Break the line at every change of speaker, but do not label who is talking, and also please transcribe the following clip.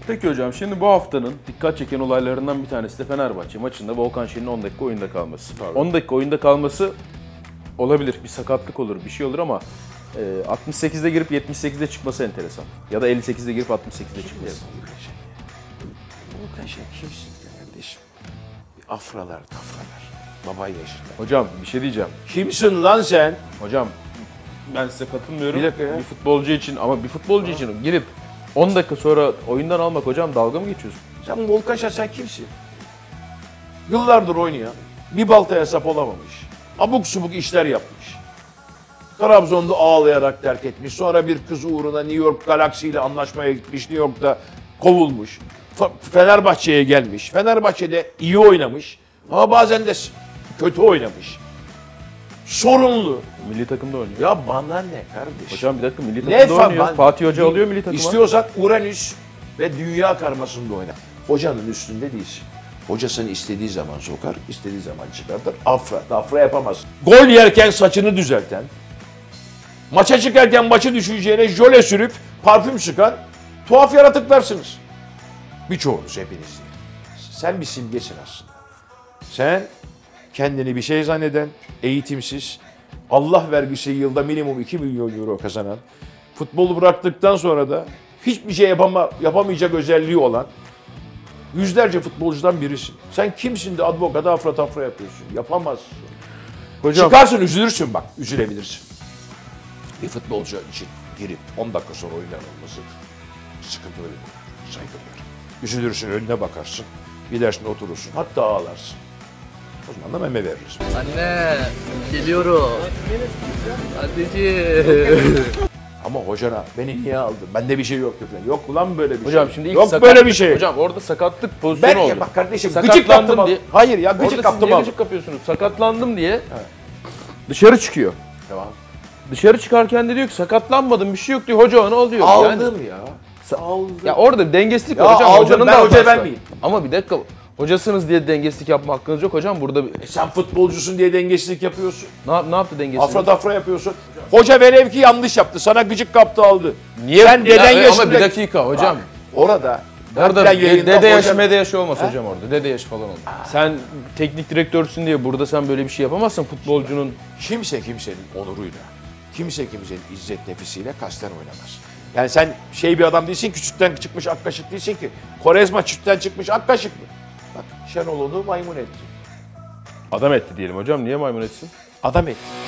Peki hocam, şimdi bu haftanın dikkat çeken olaylarından bir tanesi de Fenerbahçe maçında Volkan Şen'in 10 dakika oyunda kalması.
Tabii.
10 dakika oyunda kalması olabilir, bir sakatlık olur, bir şey olur ama 68'de girip 78'de çıkması enteresan. Ya da 58'de girip 68'de çıkması.
Volkan Şen kimsin kardeşim? Afralar, tafralar. Baba yaşında.
Hocam bir şey diyeceğim.
Kimsin lan sen?
Hocam ben size katılmıyorum.
Bir dakika ya.
Bir futbolcu için ama bir futbolcu için girip 10 dakika sonra oyundan almak hocam, dalga mı geçiyorsun?
Sen Volkan Şen sen kimsin? Yıllardır oynayan, bir baltaya sap olamamış. Abuk subuk işler yapmış. Trabzon'da ağlayarak terk etmiş. Sonra bir kız uğruna New York Galaxy ile anlaşmaya gitmiş. New York'ta kovulmuş. Fenerbahçe'ye gelmiş. Fenerbahçe'de iyi oynamış. Ama bazen de kötü oynamış. Sorunlu.
Milli takımda oynuyor.
Ya bana ne kardeşim?
Hocam bir dakika, milli
Ne
takımda oynuyor.
ben-
Fatih Hoca alıyor milli takıma.
İstiyorsan Uranüs ve dünya karmasında oyna. Hocanın üstünde değilsin. Hocasını istediği zaman sokar, istediği zaman çıkartır. Afra yapamaz. Gol yerken saçını düzelten, maça çıkarken maçı düşeceğine jöle sürüp parfüm sıkan tuhaf yaratıklarsınız. Birçoğunuz, hepiniz değil. Sen bir simgesin aslında. Sen kendini bir şey zanneden, eğitimsiz, Allah vergisi yılda minimum 2 milyon euro kazanan, futbolu bıraktıktan sonra da hiçbir şey yapamayacak özelliği olan yüzlerce futbolcudan birisin. Sen kimsin de advokata afra tafra yapıyorsun? Yapamazsın.
Hocam,
Çıkarsın, üzülürsün bak, üzülebilirsin. Bir futbolcu için girip 10 dakika sonra oyundan olması sıkıntı öyle değil. Saygı duyarım. Üzülürsün, önüne bakarsın, gidersin oturursun, hatta ağlarsın. O zaman da meme veririz.
Anne, geliyorum. Anneciğim.
Ama hocana beni niye aldın? Bende bir şey yok falan. Yok ulan böyle bir şey.
hocam şimdi ilk
yok
sakatlık,
böyle bir şey.
Hocam orada sakatlık pozisyonu oldu.
Ben bak kardeşim
Sakatlandım
gıcık kaptım.
diye.
Hayır ya
Orada
gıcık
siz
kaptım
niye
abi.
gıcık kapıyorsunuz? Sakatlandım diye dışarı çıkıyor.
Tamam.
Dışarı çıkarken de diyor ki sakatlanmadım, bir şey yok diyor. Hoca onu alıyor.
Aldım ya. Aldım.
Ya orada dengesizlik
Ya
var hocam.
aldım,
Hocanın
ben
da
hoca
hatası var.
vermeyeyim.
Ama bir dakika. Hocasınız diye dengesizlik yapma hakkınız yok hocam. Burada
Sen futbolcusun diye dengesizlik yapıyorsun.
ne yaptı dengesizlik?
Afra tafra yapıyorsun. Hoca velev ki yanlış yaptı. Sana gıcık kaptı aldı.
Niye?
Sen deden yaşında...
Ama bir dakika hocam.
Bak, orada...
Orada
filan yayında
dede yaşı
hoca-
mede yaşı olmaz hocam orada. Dede yaşı falan olmaz. Sen teknik direktörsün diye burada sen böyle bir şey yapamazsın futbolcunun.
Kimse kimsenin onuruyla, kimse kimsenin izzet nefisiyle kasten oynamaz. Yani sen bir adam değilsin ki sütten çıkmış ak kaşık değilsin ki. Korezma sütten çıkmış ak kaşık mı? Bak Şenol onu maymun etti.
Adam etti diyelim hocam. Niye maymun etsin?
Adam etti.